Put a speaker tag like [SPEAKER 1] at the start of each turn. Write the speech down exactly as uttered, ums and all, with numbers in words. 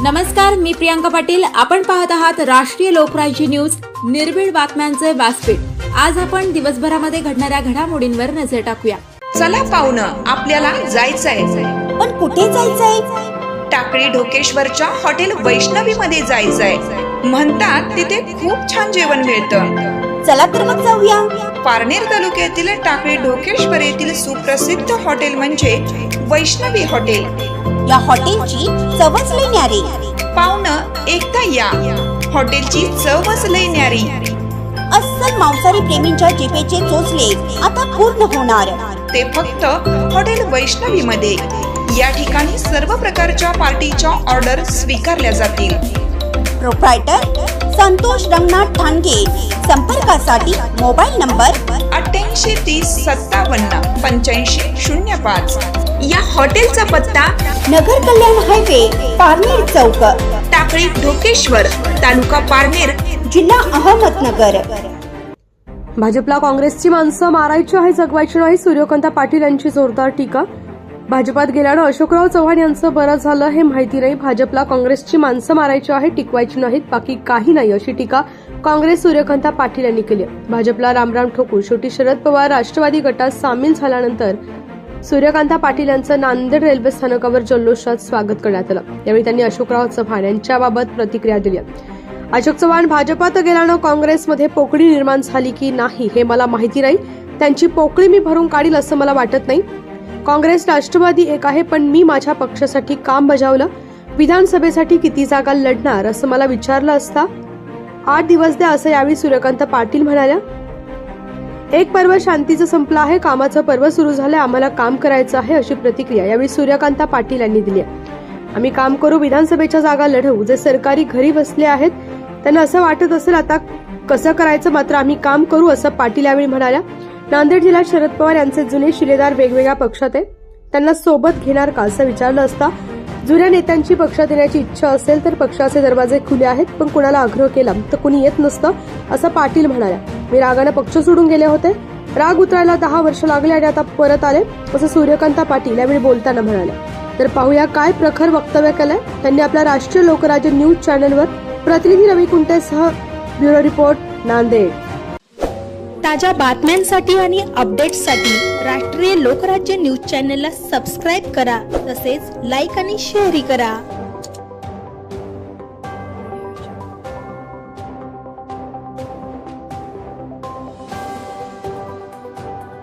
[SPEAKER 1] नमस्कार, मी प्रियांका पाटील. आपण पाहत आहात राष्ट्रीय लोकराज्य न्यूज, निर्भीड बातम्यांचे व्यासपीठ. आज आपण दिवसभरामध्ये घडणाऱ्या घडामोडींवर नजर टाकूया.
[SPEAKER 2] चला पाहुणं, आपल्याला जायचंय.
[SPEAKER 3] पण कुठे जायचंय?
[SPEAKER 2] टाकळी ढोकेश्वरच्या हॉटेल वैष्णवी मध्ये जायचंय. म्हणतात तिथे खूप छान जेवण मिळतं.
[SPEAKER 3] चला तर मग जाऊया.
[SPEAKER 2] पारनेर तालुक्यातील टाकळी ढोकेश्वर येथील सुप्रसिद्ध हॉटेल म्हणजे वैष्णवी हॉटेल.
[SPEAKER 3] या हॉटेलची चवच लई न्यारी.
[SPEAKER 2] पाहुणं, एकदा या. हॉटेलची चवच लई न्यारी.
[SPEAKER 3] अस्सल मांसाहारी प्रेमींच्या जिभेचे चोचले आता पूर्ण होणार.
[SPEAKER 2] ते फक्त हॉटेल वैष्णवी मध्ये. या ठिकाणी सर्व प्रकारच्या पार्टीच्या ऑर्डर स्वीकारल्या जातील.
[SPEAKER 3] प्रोप्रायटर संतोष रंगनाथ ठाणगे. संपर्कासाठी मोबाईल नंबर
[SPEAKER 2] अठ्ठ्याऐंशी तीस सत्तावन्न पंच्याऐंशी शून्य पाच. या हॉटेलचा पत्ता
[SPEAKER 3] नगर कल्याण हायवे, पारनेर चौक,
[SPEAKER 2] टाकळी ढोकेश्वर, तालुका पारनेर,
[SPEAKER 3] जिल्हा अहमदनगर.
[SPEAKER 4] भाजपला काँग्रेसची माणसं मारायची आहे, जगवायची नाही. सूर्यकांत पाटील यांची जोरदार टीका. भाजपात गेल्यानं अशोकराव चव्हाण यांचं बरं झालं हे माहिती नाही. भाजपला काँग्रेसची माणसं मारायची आहे, टिकवायची नाहीत, बाकी काही नाही, अशी टीका काँग्रेस सूर्यकांत पाटील यांनी केली. भाजपला रामराम ठोकून शेवटी शरद पवार राष्ट्रवादी गटात सामील झाल्यानंतर सूर्यकांत पाटील यांचं नांदेड रेल्वे स्थानकावर जल्लोषात स्वागत करण्यात आलं. यावेळी त्यांनी अशोकराव चव्हाण यांच्याबाबत प्रतिक्रिया दिली. अशोक चव्हाण भाजपात गेल्यानं काँग्रेसमध्ये पोकळी निर्माण झाली की नाही हे मला माहिती नाही. त्यांची पोकळी मी भरून काढील असं मला वाटत नाही. काँग्रेस राष्ट्रवादी एक आहे, पण मी माझ्या पक्षासाठी काम बजावलं. विधानसभेसाठी किती जागा लढणार असं मला विचारलं असता आठ दिवस द्या असं यावेळी सूर्यकांत पाटील म्हणाल्या. एक पर्व शांतीचं संपलं आहे, कामाचं पर्व सुरू झालंय, आम्हाला काम करायचं आहे, अशी प्रतिक्रिया यावेळी सूर्यकांत पाटील यांनी दिली आहे. आम्ही काम करू, विधानसभेच्या जागा लढवू. जे सरकारी घरी बसले आहेत त्यांना असं वाटत असेल आता कसं करायचं, मात्र आम्ही काम करू असं पाटील यावेळी म्हणाल्या. नांदेड जिल्ह्यात शरद पवार यांचे जुने शिलेदार वेगवेगळ्या पक्षात आहे, त्यांना सोबत घेणार का असं विचारलं असता जुन्या नेत्यांची पक्षात येण्याची इच्छा असेल तर पक्षाचे दरवाजे खुले आहेत, पण कुणाला आग्रह केला तर कुणी येत नसतं असं पाटील म्हणाल्या. मी रागानं पक्ष सोडून गेले होते, राग उतरायला दहा वर्ष लागले आणि आता परत आले असं सूर्यकांत पाटील यावेळी बोलताना म्हणाले. तर पाहूया काय प्रखर वक्तव्य केलंय त्यांनी आपल्या राष्ट्रीय लोकराज्य न्यूज चॅनलवर. प्रतिनिधी रवी कुंटेसह ब्युरो रिपोर्ट, नांदेड.
[SPEAKER 5] ताज्या बातम्यांसाठी आणि अपडेट्ससाठी राष्ट्रीय लोकराज्य न्यूज चॅनलला सबस्क्राईब करा, तसेच लाईक आणि शेअरही करा.